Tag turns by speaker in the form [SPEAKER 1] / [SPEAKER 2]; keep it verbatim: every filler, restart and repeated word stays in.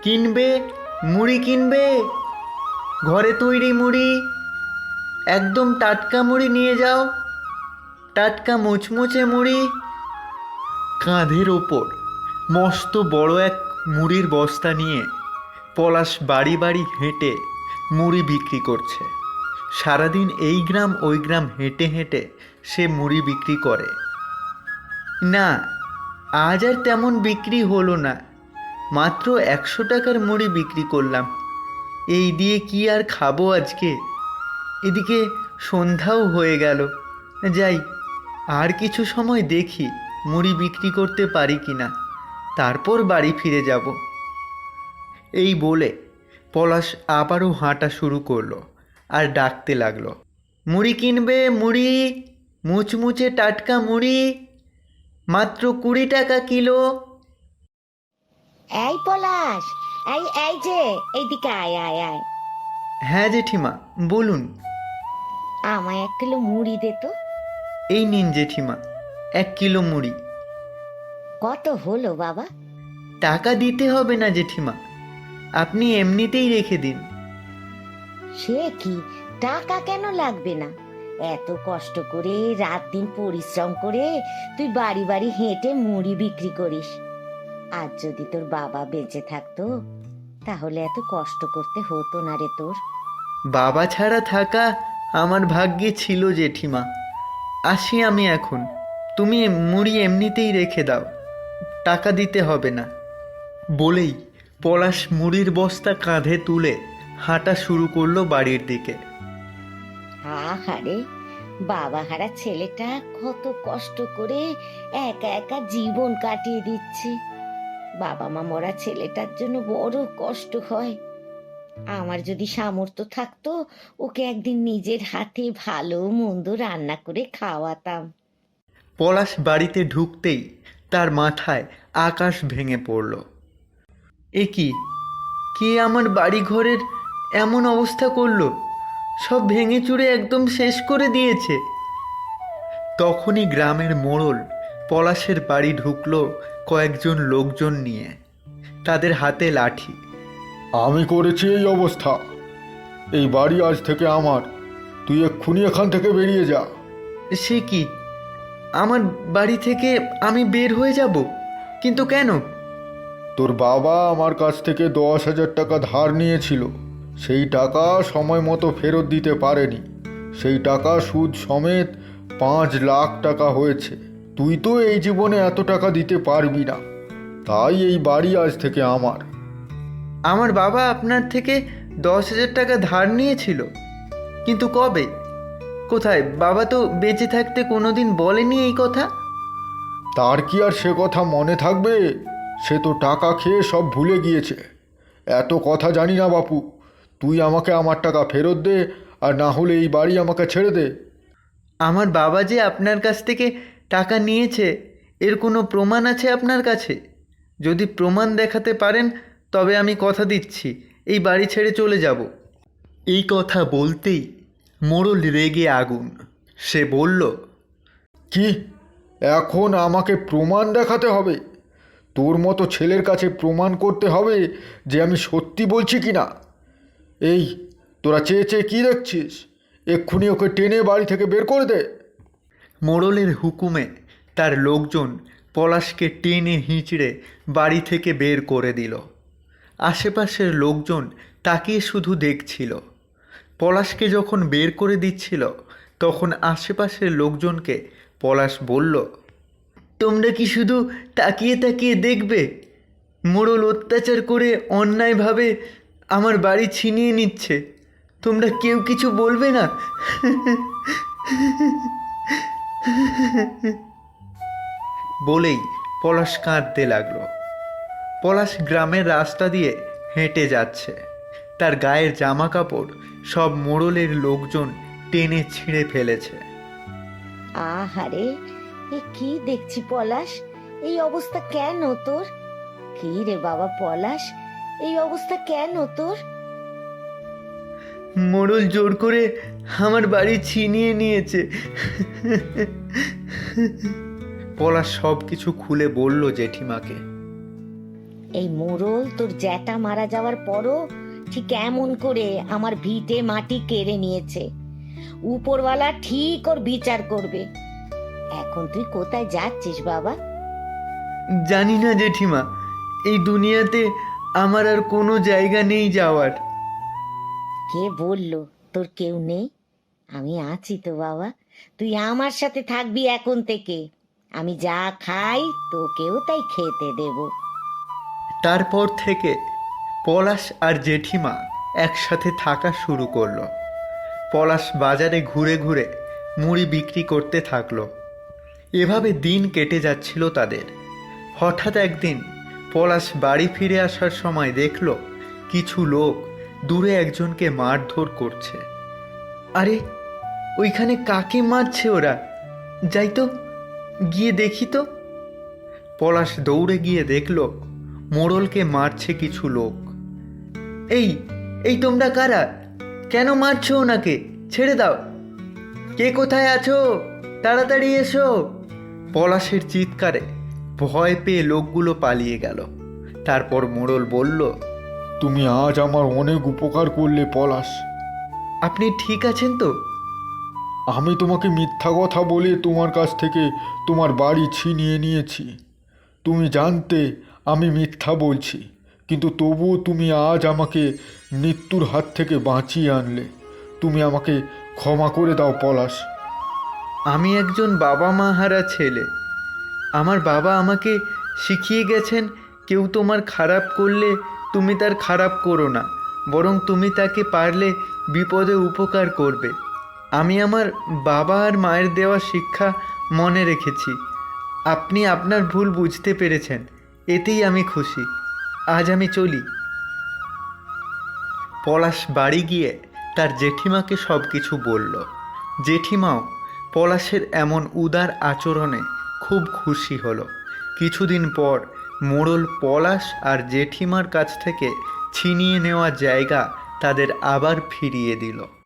[SPEAKER 1] কিনবে? মুড়ি কিনবে? ঘরে তৈরি মুড়ি, একদম টাটকা মুড়ি নিয়ে যাও, টাটকা মুচমুচে মুড়ি। কাঁধের ওপর মস্ত বড় এক মুড়ির বস্তা নিয়ে পলাশ বাড়ি বাড়ি হেঁটে মুড়ি বিক্রি করছে। সারাদিন এই গ্রাম ওই গ্রাম হেঁটে হেঁটে সে মুড়ি বিক্রি করে। না, আজ আর তেমন বিক্রি হলো না, মাত্র একশো টাকার মুড়ি বিক্রি করলাম। এই দিয়ে কি আর খাবো আজকে? এদিকে সন্ধ্যাও হয়ে গেল। যাই, আর কিছু সময় দেখি মুড়ি বিক্রি করতে পারি কি না, তারপর বাড়ি ফিরে যাব। এই বলে পলাশ আবারও হাঁটা শুরু করলো আর ডাকতে লাগলো, মুড়ি কিনবে? মুড়ি, মুচমুচে টাটকা মুড়ি, মাত্র কুড়ি টাকা কিলো।
[SPEAKER 2] এই পলাশ, এই এই যে এইদিকে আয় আয় আয়।
[SPEAKER 1] হ্যাঁ জেঠিমা, বলুন।
[SPEAKER 2] আমায় এক কিলো মুড়ি দে তো।
[SPEAKER 1] এই নিন জেঠিমা, এক কিলো মুড়ি।
[SPEAKER 2] কত হলো বাবা?
[SPEAKER 1] টাকা দিতে হবে না জেঠিমা, আপনি এমনিতেই রেখে দিন।
[SPEAKER 2] সে কি, টাকা কেন লাগবে না? এত কষ্ট করে রাত দিন পরিশ্রম করে তুই বাড়ি বাড়ি হেঁটে মুড়ি বিক্রি করিস। আজ যদি তোর বাবা বেঁচে থাকতো তাহলে এত কষ্ট করতে হতো না রে তোর।
[SPEAKER 1] বাবা ছাড়া থাকা আমার ভাগ্যে ছিল জেঠিমা। আসি আমি এখন, তুমি মুড়ি এমনিতেই রেখে দাও, টাকা দিতে হবে না। বলেই পলাশ মুড়ির বস্তা কাঁধে তুলে হাঁটা শুরু করলো বাড়ির দিকে।
[SPEAKER 2] আহারে, বাবা হারা ছেলেটা কত কষ্ট করে একা একা জীবন কাটিয়ে দিচ্ছে। বাবা মা মরা ছেলেটার জন্য বড় কষ্ট হয়। আমার যদি সামর্থ্য থাকতো ওকে একদিন নিজের হাতে ভালো মন্দ রান্না করে খাওয়াতাম।
[SPEAKER 1] পলাশ বাড়িতে ঢুকতেই তার মাথায় আকাশ ভেঙে পড়ল। এ কি, কে আমার বাড়ি ঘরের এমন অবস্থা করলো? সব ভেঙে চুরে একদম শেষ করে দিয়েছে। তখনই গ্রামের মোড়ল পলাশের বাড়ি ঢুকলো কয়েকজন লোকজন নিয়ে, তাদের হাতে লাঠি।
[SPEAKER 3] আমি করেছি এই অবস্থা, এই বাড়ি আজ থেকে আমার, তুই এক্ষুনি এখান থেকে বেরিয়ে যা।
[SPEAKER 1] সে কি, আমার বাড়ি থেকে আমি বের হয়ে যাব? কিন্তু কেন?
[SPEAKER 3] তোর বাবা আমার কাছ থেকে দশ হাজার টাকা ধার নিয়েছিল, সেই টাকা সময় মতো ফেরত দিতে পারেনি। সেই টাকা সুদ সমেত পাঁচ লাখ টাকা হয়েছে। তুই তো এই জীবনে এত টাকা দিতে পারবি না, তাই এই বাড়ি আজ থেকে আমার।
[SPEAKER 1] আমার বাবা আপনার থেকে দশ হাজার টাকা ধার নিয়েছিল? কিন্তু কবে, কোথায়? বাবা তো বেঁচে থাকতে কোনোদিন বলেনি এই কথা।
[SPEAKER 3] তার কি আর সে কথা মনে থাকবে? সে তো টাকা খেয়ে সব ভুলে গিয়েছে। এত কথা জানি না বাপু, তুই আমাকে আমার টাকা ফেরত দে, আর না হলে এই বাড়ি আমাকে ছেড়ে দে।
[SPEAKER 1] আমার বাবা যে আপনার কাছ থেকে টাকা নিয়েছে এর কোনো প্রমাণ আছে আপনার কাছে? যদি প্রমাণ দেখাতে পারেন তবে আমি কথা দিচ্ছি এই বাড়ি ছেড়ে চলে যাব। এই কথা বলতেই মোড়ল রেগে আগুন। সে বলল,
[SPEAKER 3] কি, এখন আমাকে প্রমাণ দেখাতে হবে? তোর মতো ছেলের কাছে প্রমাণ করতে হবে যে আমি সত্যি বলছি কি না? এই, তোরা চেয়ে চেয়ে কী দেখছিস? এক্ষুনি ওকে টেনে বাড়ি থেকে বের করে দে।
[SPEAKER 1] মোড়লের হুকুমে তার লোকজন পলাশকে টেনে হিঁচড়ে বাড়ি থেকে বের করে দিল। আশেপাশের লোকজন তাকিয়ে শুধু দেখছিল। পলাশকে যখন বের করে দিচ্ছিল তখন আশেপাশের লোকজনকে পলাশ বলল, তোমরা কি শুধু তাকিয়ে তাকিয়ে দেখবে? মোড়ল অত্যাচার করে অন্যায়ভাবে আমার বাড়ি ছিনিয়ে নিচ্ছে, তোমরা কেউ কিছু বলবে না? বলেই পলাশ কাঁদতে লাগলো। পলাশ গ্রামের রাস্তা দিয়ে হেঁটে যাচ্ছে, তার গায়ের জামা কাপড় সব মোড়লের লোকজন টেনে ছিঁড়ে ফেলেছে।
[SPEAKER 2] আহারে, এ কি দেখছি পলাশ, এই অবস্থা কেন তোর? কি রে বাবা পলাশ, এই অবস্থা কেন তোর?
[SPEAKER 1] মোড়ল জোর করে আমার বাড়ি ছিনিয়ে নিয়েছে। পলাশ সব কিছু খুলে বলল জেঠিমাকে।
[SPEAKER 2] এই মোড়ল তোর জ্যাটা মারা যাওয়ার পরও ঠিক এমন করে আমার ভিটে মাটি কেড়ে নিয়েছে। উপরওয়ালা ঠিক ওর বিচার করবে। এখন তুই কোথায় যাচ্ছিস বাবা?
[SPEAKER 1] জানি না জেঠিমা, এই দুনিয়াতে আমার আর কোনো জায়গা নেই যাওয়ার।
[SPEAKER 2] কে বললো তোর কেউ নেই? আমি আছি তো বাবা, তুই আমার সাথে থাকবি এখন থেকে। আমি যা খাই তোকেও তাই খেতে দেব।
[SPEAKER 1] তারপর থেকে পলাশ আর জেঠিমা একসাথে থাকা শুরু করলো। পলাশ বাজারে ঘুরে ঘুরে মুড়ি বিক্রি করতে থাকলো। এভাবে দিন কেটে যাচ্ছিল তাদের। হঠাৎ একদিন পলাশ বাড়ি ফিরে আসার সময় দেখলো কিছু লোক দূরে একজনকে মারধর করছে। আরে, ওইখানে কাকে মারছে ওরা? যাই তো, গিয়ে দেখি তো। পলাশ দৌড়ে গিয়ে দেখলো মোড়লকে মারছে কিছু লোক। এই এই তোমরা কারা? কেন মারছো ওনাকে? ছেড়ে দাও। কে কোথায় আছো? তাড়াতাড়ি এসো। পলাশের চিৎকারে ভয় পেয়ে লোকগুলো পালিয়ে গেল। তারপর মোড়ল বলল,
[SPEAKER 3] তুমি আজ আমার অনেক উপকার করলে পলাশ।
[SPEAKER 1] আপনি ঠিক আছেন তো?
[SPEAKER 3] আমি তোমাকে মিথ্যা কথা বলে তোমার কাছ থেকে তোমার বাড়ি ছিনিয়ে নিয়েছি। তুমি জানতে আমি মিথ্যা বলছি, কিন্তু তবুও তুমি আজ আমাকে মৃত্যুর হাত থেকে বাঁচিয়ে আনলে। তুমি আমাকে ক্ষমা করে দাও পলাশ।
[SPEAKER 1] আমি একজন বাবা মা হারা ছেলে। আমার বাবা আমাকে শিখিয়ে গেছেন, কেউ তোমার খারাপ করলে তুমি তার খারাপ করো না, বরং তুমি তাকে পারলে বিপদে উপকার করবে। আমি আমার বাবা আর মায়ের দেওয়া শিক্ষা মনে রেখেছি। আপনি আপনার ভুল বুঝতে পেরেছেন, এতেই আমি খুশি। আজ আমি চলি। পলাশ বাড়ি গিয়ে তার জেঠিমাকে সব কিছু বলল। জেঠিমাও পলাশের এমন উদার আচরণে খুব খুশি হলো। কিছুদিন পর মোড়ল পলাশ আর জেঠিমার কাছ থেকে ছিনিয়ে নেওয়া জায়গা তাদের আবার ফিরিয়ে দিল।